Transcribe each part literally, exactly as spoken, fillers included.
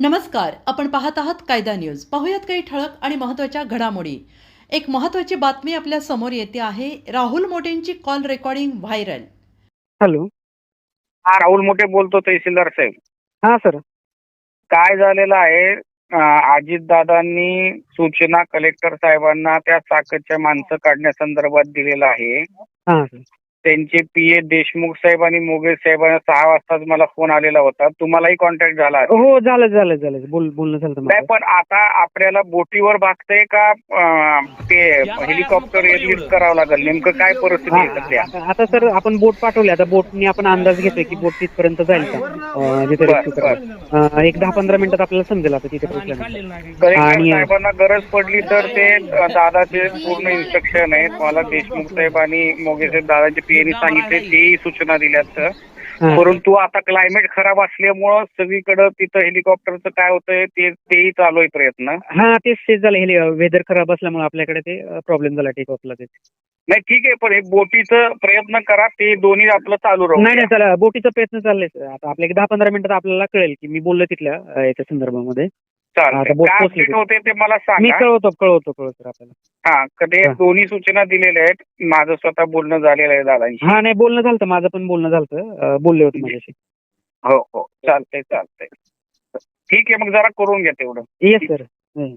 नमस्कार, आपण पाहत आहात कायदा न्यूज. पाहूयात काही ठळक आणि महत्त्वाच्या घडामोडी. एक महत्त्वाची बातमी आपल्या समोर येते आहे. राहुल मोटेंची कॉल रेकॉर्डिंग व्हायरल. हॅलो. हा राहुल मोठे बोलतो, तहसीलदार साहेब. हा सर. काय झालेलं आहे, अजितदादांनी सूचना कलेक्टर साहेबांना त्या चाकच्या माणसं काढण्यासंदर्भात दिलेला आहे. हा सर. त्यांचे पीए देशमुख साहेब आणि मोगे साहेबांना सहा वाजताच मला फोन आलेला होता. तुम्हालाही कॉन्टॅक्ट झाला? हो झालं झालं झालं बोल बोलणं झालं नाही, पण आता आपल्याला बोटीवर भागतंय का ते हेलिकॉप्टर लिफ्ट करावं लागेल? नेमकं काय परिस्थिती आहे सध्या? आता सर आपण बोट पाठवली. आता बोटनी आपण अंदाज घेतोय की बोट तिथपर्यंत जाईल का जिथे रेस्क्यू करायला. एक दहा पंधरा मिनिटात आपल्याला समजेल आता तिथे पोहोचल्यानंतर. आणि साहेबांना गरज पडली तर ते दादाचे पूर्ण इन्स्ट्रक्शन आहेत. मला देशमुख साहेब आणि मोगे साहेब दादाचे पीएनी सांगितले, तेही सूचना दिल्यात. परंतु आता क्लायमेट खराब असल्यामुळं सगळीकडे तिथं हेलिकॉप्टरचं काय होतंय ते तेही चालू आहे प्रयत्न. हा तेच तेच झालं. वेदर खराब असल्यामुळे आपल्याकडे ते प्रॉब्लेम झाला टेक ऑफला. ते नाही ठीक आहे, पण हे बोटीचं प्रयत्न करा, ते दोन्ही आपलं चालू राहू. नाही नाही चला, बोटीचा प्रयत्न चाललाय. आता आपल्या दहा पंधरा मिनिटात आपल्याला कळेल की मी बोललो तिथल्या याच्या संदर्भामध्ये. होते ते मला मी सांगा. कळवतो कळवतो कळवतो आपल्याला. हा, कधी दोन्ही सूचना दिलेल्या आहेत. माझं स्वतः बोलणं झालेलं आहे दादांशी. हा नाही बोलणं झालं, माझं पण बोलणं झालं, बोलले होते माझ्याशी. हो हो चालतंय चालतंय ठीक आहे, मग जरा करून घ्या तेवढं. Yes sir.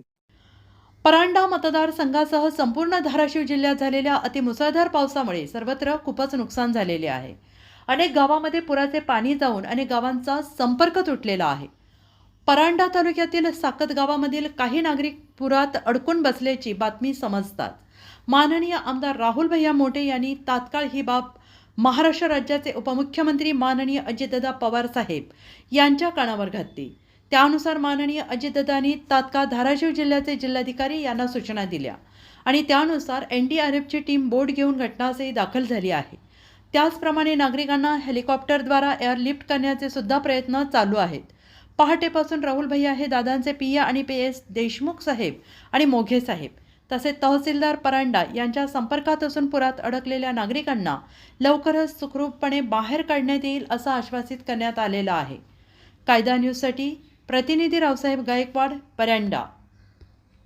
परांडा मतदारसंघासह संपूर्ण धाराशिव जिल्ह्यात झालेल्या अतिमुसळधार पावसामुळे सर्वत्र खूपच नुकसान झालेले आहे. अनेक गावांमध्ये पुराचे पाणी जाऊन अनेक गावांचा संपर्क तुटलेला आहे. परांडा तालुक्यातील साकत गावामधील काही नागरिक पुरात अडकून बसल्याची बातमी समजतात. माननीय आमदार राहुल भैया मोटे यांनी तात्काळ ही बाब महाराष्ट्र राज्याचे उपमुख्यमंत्री माननीय अजितदादा पवार साहेब यांच्या कानावर घातली. त्यानुसार माननीय अजितदादांनी तात्काळ धाराशिव जिल्ह्याचे जिल्हाधिकारी यांना सूचना दिल्या आणि त्यानुसार एन डी आर एफची टीम बोट घेऊन घटनास्थळी दाखल झाली आहे. त्याचप्रमाणे नागरिकांना हेलिकॉप्टरद्वारा एअरलिफ्ट करण्याचे सुद्धा प्रयत्न चालू आहेत. पहाटेपासून राहुल भैया हे दादांचे पी ए आणि पी एस देशमुख साहेब आणि मोघे साहेब तसेच तहसीलदार परांडा यांच्या संपर्कात असून पुरात अडकलेल्या नागरिकांना लवकरच सुखरूपपणे बाहेर काढण्यात येईल असं आश्वासित करण्यात आलेलं आहे. कायदा न्यूजसाठी प्रतिनिधी रावसाहेब गायकवाड, परांडा.